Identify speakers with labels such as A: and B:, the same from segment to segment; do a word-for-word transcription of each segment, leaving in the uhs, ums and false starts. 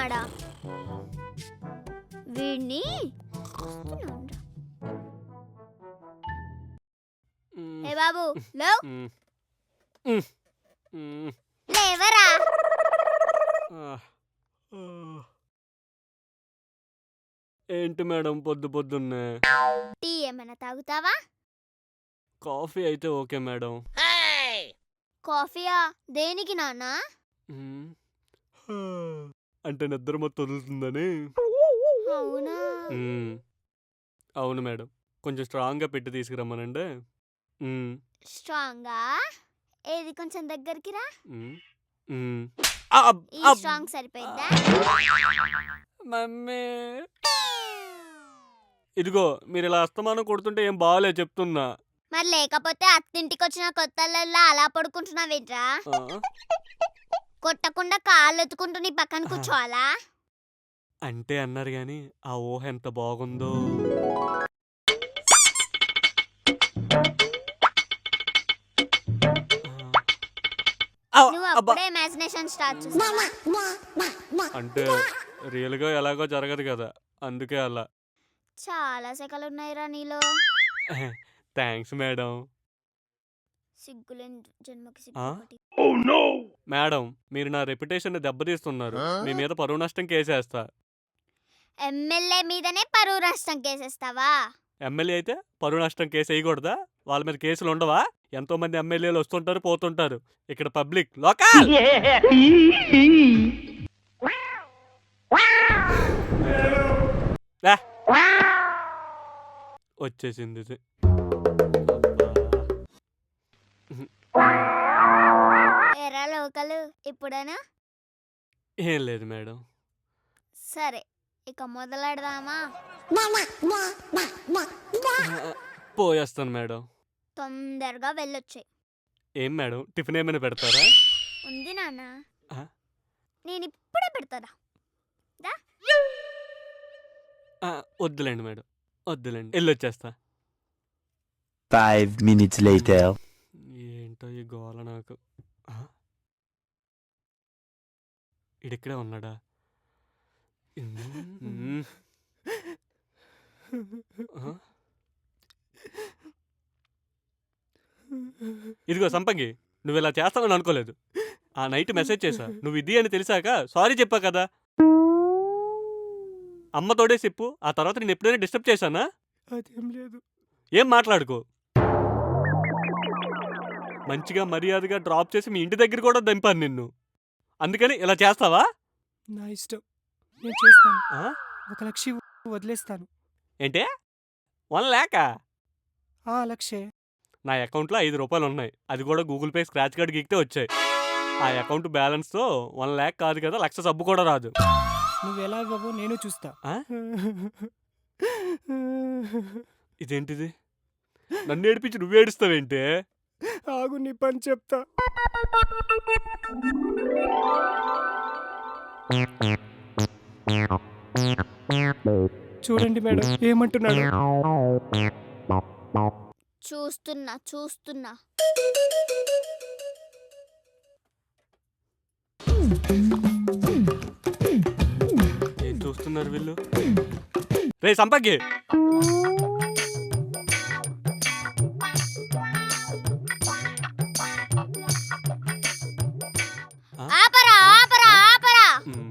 A: ఉన్నాడా? వీడిని ఏ బాబు లేవ్ లేవరా.
B: ఏంటి మేడం పొద్దు పొద్దున్నే?
A: టీ ఏమైనా తాగుతావా?
B: కాఫీ అయితే ఓకే మేడం.
A: కాఫీయా? దేనికి నాన్నా?
B: అంటే నిద్ర మొత్తం వదులుతుందని.
A: అవునా?
B: అవును మేడం, కొంచెం స్ట్రాంగ్గా పెట్టి తీసుకురమ్మనండి.
A: స్ట్రాంగా? ఏది కొంచెం దగ్గరికి రా. ఈ స్ట్రాంగ్ సరిపోయిందా?
B: మమ్మీ ఇదిగో, మీరు ఇలా అస్తమానం కొడుతుంటే ఏం బాగాలే చెప్తున్నా.
A: మరి లేకపోతే అత్తింటికి వచ్చిన కొత్తల్లో అలా పడుకుంటున్నావేంట్రా? కొట్టకుండా కాళ్ళు ఎత్తుకుంటూ నీ పక్కన కూర్చోవాలా?
B: అంటే అన్నారు గాని ఆ ఊహ ఎంత బాగుందో.
A: నువ్వు అప్పుడే ఇమాజినేషన్ స్టార్ట్ చేసావా?
B: అంటే రియల్ గా ఎలాగో జరగదు కదా, అందుకే అలా.
A: చాలా సెకలు ఉన్నాయిరా నీలో.
B: Thanks madam.
A: సిగ్గులేని జన్మకి సిగ్గు.
B: మేడం, మీరు నా రెప్యుటేషన్ దెబ్బతీస్తున్నారు. మీ మీద పరువు నష్టం కేసేస్తా.
A: ఎమ్మెల్యే మీదనే పరువు నష్టం కేసేస్తావా?
B: ఎమ్మెల్యే అయితే పరువు నష్టం కేసు వేయకూడదా? వాళ్ళ మీద కేసులు ఉండవా? ఎంతో మంది ఎమ్మెల్యేలు వస్తుంటారు పోతుంటారు. ఇక్కడ పబ్లిక్ లోకల్. వచ్చేసింది.
A: ఎరా లోకలు ఇప్పుడేనా?
B: ఏం లేదు మేడం.
A: సరే, ఇక మొదలెడదామా?
B: పోయేస్తాను మేడం.
A: తొందరగా వెళ్ళొచ్చాయి.
B: ఏం మేడం, టిఫిన్ ఏమైనా పెడతారా?
A: ఉంది నాన్న, నేను ఇప్పుడే పెడతారా.
B: వద్దులేండి మేడం, వద్దులేండి, వెళ్ళొచ్చేస్తా.
C: Five minutes later.
B: ఏంటో ఈ గోల నాకు. ఇడిక్కడే ఉన్నాడా? ఇదిగో సంపంగి, నువ్వు ఇలా చేస్తావని అనుకోలేదు. ఆ నైట్ మెసేజ్ చేశా, నువ్వు ఇది అని తెలిసాక సారీ చెప్పా కదా. అమ్మతోడే చెప్పు, ఆ తర్వాత నేను ఎప్పుడైనా డిస్టర్బ్ చేశానా? అదేం లేదు. ఏం మాట్లాడుకో. మంచిగా మర్యాదగా డ్రాప్ చేసి మీ ఇంటి దగ్గర కూడా దింపాను నిన్ను. అందుకని ఇలా చేస్తావా?
D: నా ఇష్టం, నేను చేస్తాను. ఒక లక్ష వదిలేస్తాను.
B: ఏంటే? వన్ ల్యాకా?
D: ఆ లక్షే.
B: నా అకౌంట్లో ఐదు రూపాయలు ఉన్నాయి, అది కూడా గూగుల్ పే స్క్రాచ్ కార్డ్ గీక్తే వచ్చాయి. ఆ అకౌంట్ బ్యాలెన్స్తో వన్ ల్యాక్ కాదు కదా, లక్ష సబ్బు కూడా రాదు.
D: నువ్వు ఎలా ఇవ్వవో నేను చూస్తా.
B: ఇదేంటిది? నన్ను ఏడిపించి నువ్వు ఏడుస్తావేంటే?
D: ఆగు, నీ పని చెప్తా. చూడండి మేడం ఏమంటున్నాడు.
A: చూస్తున్నా చూస్తున్నా.
B: ఏం చూస్తున్నారు వీళ్ళు? రే సంపంగి,
A: ఆపరా ఆపరా ఆపరా.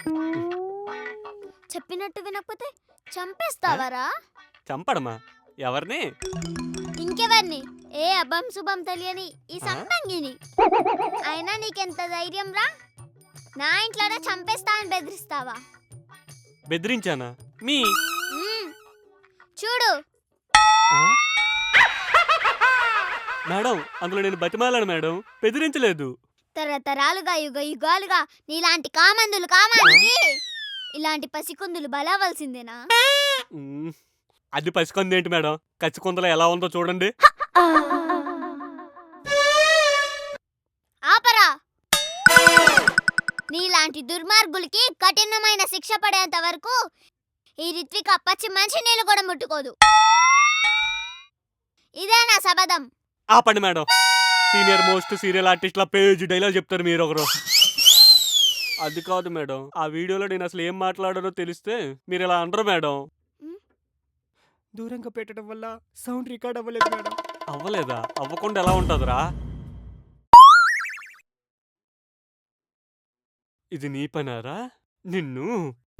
A: చెప్పినట్టు వినకపోతే చంపేస్తావరా?
B: చంపడమా? ఎవరిని?
A: ఇంకెవర్ని? ఏ అబ్బం శుభం తెలియని ఈ సంపంగిని. అయినా నీకెంత ధైర్యం రా? నా ఇంట్లోనే చంపేస్తా అని బెదిరిస్తావా?
B: బెదిరించానా? మీ
A: చూడు
B: మేడం, అందులో నేను బతిమాలను మేడం, బెదిరించలేదు.
A: తరతరాలుగా యుగ యుగాలుగా నీలాంటి కామందులు కామానికి ఇలాంటి పసికుందులు బలవలసిందేనా?
B: అది పసికొంది ఏంటి మేడం, కచ్చికొందలో ఎలా ఉందో చూడండి.
A: ఆపరా. నీలాంటి దుర్మార్గులకి కఠినమైన శిక్ష పడేంత వరకు ఈ రిత్విక పచ్చి మంచి నీళ్ళు కూడా ముట్టుకోదు. ఇదే నా శపథం.
B: ఆపండి madam, senior most serial artist లా పేజ్ డైలాగ్ చెప్తారు మీరు ఒకరు. అది కాదు మేడం. ఆ వీడియోలో నేను అసలు ఏం మాట్లాడానో తెలిస్తే మీరు ఇలా అనరు మేడం.
D: దూరంగా పెట్టడం వల్ల సౌండ్ రికార్డ్ అవ్వలేదు మేడం.
B: అవ్వలేదా? అవ్వకుండా ఎలా ఉంటదిరా? ఇది నీ పనారా? నిన్ను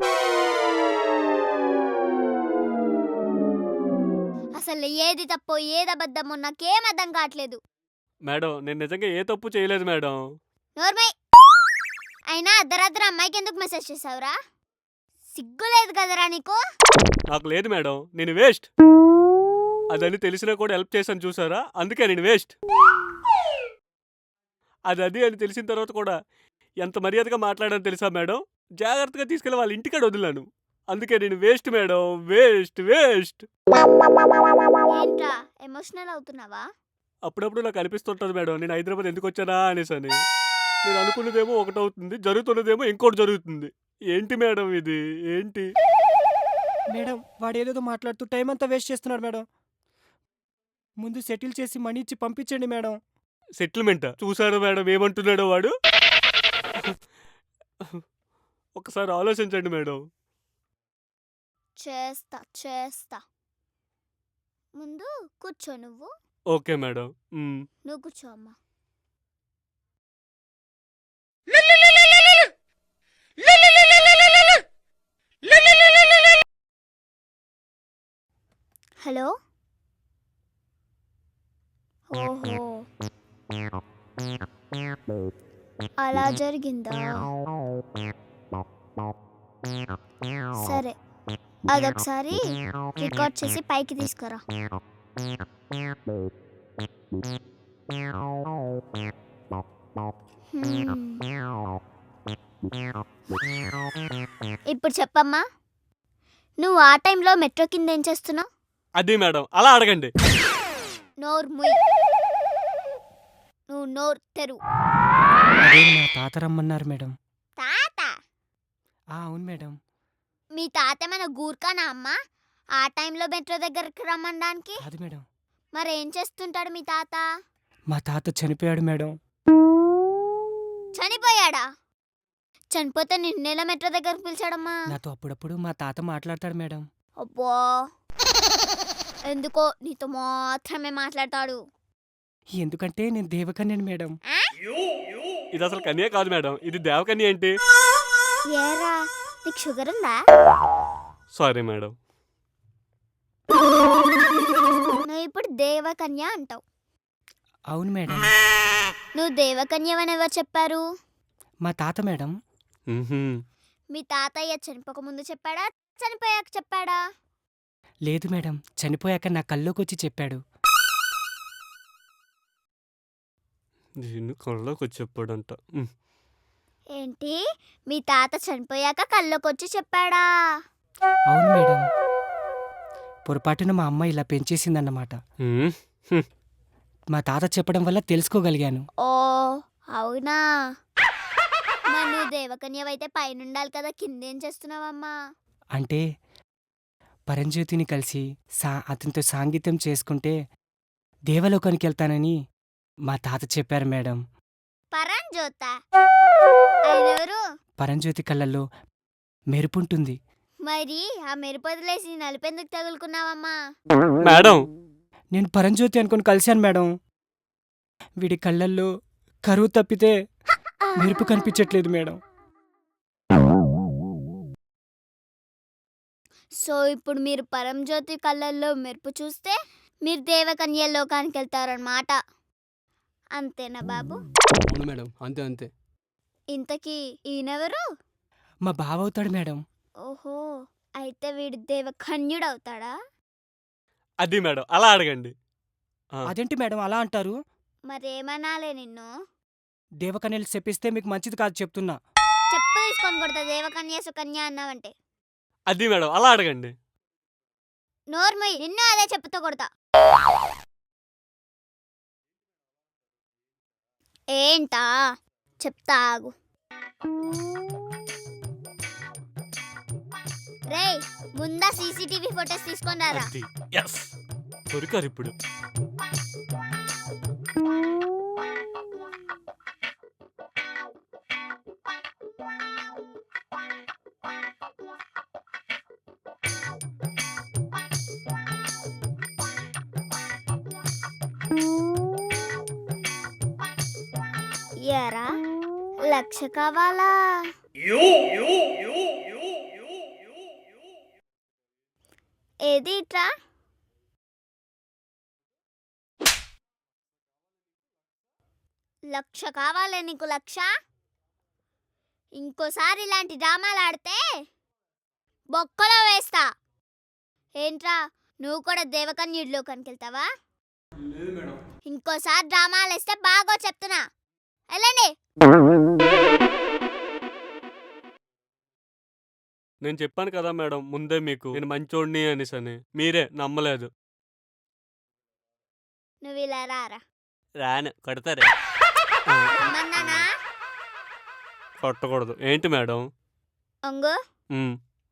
A: అసలు ఏది తప్పో ఏది అబద్ధమో నాకేం అర్థం కావట్లేదు.
B: మేడం నేను నిజంగా ఏ తప్పు చేయలేదు మేడం.
A: నోర్మై. అయినా అర్ధరాత్రి అమ్మాయికి ఎందుకు మెసేజ్ చేసావురా? సిగ్గు లేదు కదరా నీకు?
B: నాకు లేదు మేడం. నేను వేస్ట్. అదని తెలిసినా కూడా హెల్ప్ చేశాను చూసారా? అందుకే నేను వేస్ట్. అది అది అని తెలిసిన తర్వాత కూడా ఎంత మర్యాదగా మాట్లాడాను తెలుసా మేడం? జాగ్రత్తగా తీసుకెళ్ళి వాళ్ళ ఇంటికాడ వదిలాను. అందుకే నేను వేస్ట్ మేడం. Waste waste.
A: ఏంట్రా ఎమోషనల్ అవుతున్నావా?
B: అప్పుడప్పుడు నాకు అనిపిస్తుంటది మేడం, నేను హైదరాబాద్ ఎందుకు వచ్చానా అనేసని. నేను అనుకున్నదేమో ఒకటవుతుంది, జరుగుతున్నదేమో ఇంకోటి జరుగుతుంది. ఏంటి మేడం ఇది? ఏంటి?
D: మేడం వాడు ఏదేదో మాట్లాడుతూ టైం అంతా వేస్ట్ చేస్తున్నాడు మేడం. ముందు సెటిల్ చేసి మనీ ఇచ్చి పంపించండి మేడం.
B: సెటిల్మెంటా? చూసాడు మేడం ఏమంటున్నాడో వాడు. ఒకసారి ఆలోచించండి మేడం.
A: చేస్తా చేస్తా. ముందు కూర్చో నువ్వు.
B: Okay madam. మ్.
A: నువ్వు కూర్చో అమ్మా. హలో. ఓహో అలా జరిగిందా? సరే అదొకసారి రికార్డ్ చేసి పైకి తీసుకురా. ఇప్పుడు చెప్పమ్మా, నువ్వు ఆ టైంలో మెట్రో కింద ఏం చేస్తున్నావు?
B: అది మేడం అలా అడగండి.
A: నోరు ముయ్. నువ్వు నోరు తెరు.
D: అదే మా తాత రమ్మన్నారు మేడం.
A: తాత?
D: ఆ అవును మేడం.
A: మీ తాత మన గూర్ఖానా అమ్మా ఆ టైంలో మెట్రో దగ్గరికి రమ్మనడానికి?
D: అది మేడం.
A: మరేం చేస్తుంటాడు మీ తాత?
D: మా తాత చనిపోయాడు మేడం.
A: చనిపోయాడా? చనిపోతే నిన్నెలా మెట్రో దగ్గరకు పిలిచాడమ్మా?
D: నాతో అప్పుడప్పుడు మా తాత మాట్లాడతాడు మేడం.
A: అబ్బో, ఎందుకో నీతో మాత్రమే మాట్లాడతాడు.
D: ఎందుకంటే నేను దేవకన్యను మేడం.
A: ఆ?
B: ఇది అసలు కన్య కాదు మేడం, ఇది దేవకన్య ఏంటి?
A: ఏరా నీకు షుగర్ ఉందా?
B: Sorry madam.
A: నువ్వు ఇప్పుడు దేవకన్య అంటావు.
D: అవును మేడం.
A: నువ్వు దేవకన్యవని ఎవరు చెప్పారు?
D: మా తాత మేడం.
B: మ్హూ.
A: మీ తాతయ్య చనిపోక ముందు చెప్పాడా, చనిపోయాక చెప్పాడా?
D: లేదు మేడం, చనిపోయాక నా కల్లోకి వచ్చి చెప్పాడు.
B: దీన్ని కళ్ళలోకి వచ్చి చెప్పాడంట. మ్.
A: ఏంటి, మీ తాత చనిపోయాక కళ్ళకొచ్చి చెప్పాడా?
D: అవును మేడం. పొరపాటున మా అమ్మ ఇలా పెంచేసిందన్నమాట.
B: మ్. హ్మ్.
D: మా తాత చెప్పడం వల్ల తెలుసుకోగలిగాను.
A: ఓ అవునా. మరి నువ్వు దేవకన్యవైతే పైన ఉండాలి కదా, కిందేం చేస్తున్నావమ్మా?
D: అంటే పరంజ్యోతిని కలిసి సా అతనితో సాంగత్యం చేసుకుంటే దేవలోకానికి వెళ్తానని మా తాత చెప్పారు మేడం.
A: పరంజ్యోత ఆయనెవరు?
D: పరంజ్యోతి కళ్ళల్లో మెరుపుంటుంది.
A: మరి ఆ మెరుపు వదిలేసి నలుపెందుకు తగులుకున్నావమ్మా?
B: మేడం
D: నేను పరంజ్యోతి అనుకుని కలిశాను మేడం. వీడి కళ్ళల్లో కరువు తప్పితే మెరుపు కనిపించట్లేదు మేడం.
A: సో ఇప్పుడు మీరు పరంజ్యోతి కళ్ళల్లో మెరుపు చూస్తే మీరు దేవకన్య లోకానికి వెళ్తారన్నమాట. అంతేనా బాబు?
E: అవును మేడం, అంతే అంతే.
A: ఇంతకీ ఈయనెవరు?
D: మా బావ అవుతాడు మేడం.
A: ఓహో, అయితే వీడు దేవకన్యుడు అవుతాడా?
B: అది మేడం అలా అడగండి. ఆ.
D: అదేంటి మేడం అలా అంటారు?
A: మరేమనాలే నిన్ను?
D: దేవకన్యలు చెప్పిస్తే మీకు మంచిది కాదు చెప్తున్నా.
A: చెప్పు తీసుకొని కొడతా దేవకన్య సుకన్య అన్నావంటే.
B: అది మేడం అలా అడగండి.
A: నోర్మయ్, నిన్ను అదే చెప్పుతో కొడతా. ఏంటా చెప్తా ఆగు. రేయ్, ముందా సీసీటీవీ ఫొటోస్ తీసుకొని రారా.
B: అది ఎస్ దొరికారు ఇప్పుడు.
A: ఇయ్యారా లక్ష కావాలా? ఏది ఇట్రా? లక్ష కావాలే నీకు లక్ష? ఇంకోసారి ఇలాంటి డ్రామాలు ఆడితే బొక్కలో వేస్తా. ఏంట్రా నువ్వు కూడా దేవకన్యుడిలోకి వెళ్తావా?
E: లేదు మేడం.
A: ఇంకోసారి డ్రామాలు వేస్తే బాగో చెప్తున్నా. వెళ్ళండి.
B: నేను చెప్పాను కదా మేడం ముందే మీకు నేను మంచోడిని అనేసి అని. మీరే నమ్మలేదు.
A: నువ్వు ఇలా రారా.
B: రాను కొడతారు.
A: రమ్మన్నానా?
B: కొట్టకూడదు. ఏంటి మేడం?
A: ఒంగు.
B: ఉమ్.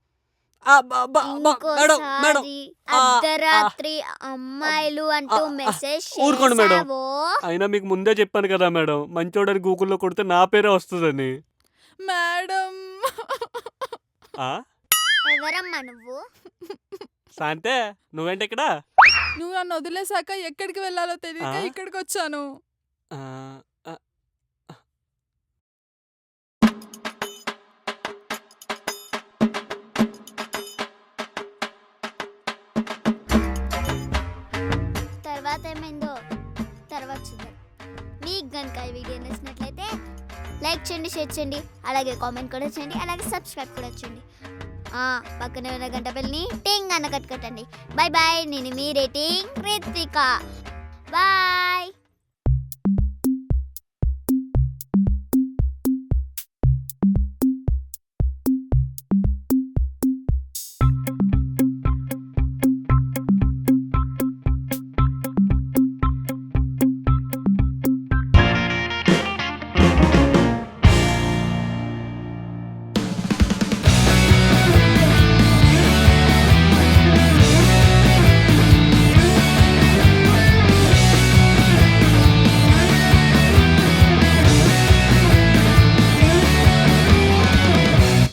A: ఇంకోసారి అర్ధరాత్రి అమ్మాయిలు అంటూ మెసేజ్
B: ఊరుకోండి మేడం.
A: చేసావో
B: అయినా మీకు ముందే చెప్పాను కదా మేడం మంచోడని గూగుల్లో కొడితే నా పేరే వస్తుందని.
F: మేడం
B: ఆ?
A: ఎవరమ్మా నువ్వు?
B: శాంతే నువ్వేంటి ఇక్కడ?
F: నువ్వు నన్ను వదిలేసాక ఎక్కడికి వెళ్ళాలో తెలియక
B: ఆ?
F: ఇక్కడికి వచ్చాను.
B: ఆ, ఆ.
A: తర్వాత ఏమైందో తర్వాత చూద్దాం. మీకు కనుక ఈ వీడియో నచ్చినట్లయితే లైక్ చేయండి, షేర్ చేయండి, అలాగే కామెంట్ కూడా చేయండి, అలాగే సబ్స్క్రైబ్ కూడా చేయండి. పక్కనే ఉన్న గంట బెల్ని టింగ్ అన్న కట్టుకట్టండి. Bye bye. నేను మీ రేటింగ్ రిత్విక. బాయ్.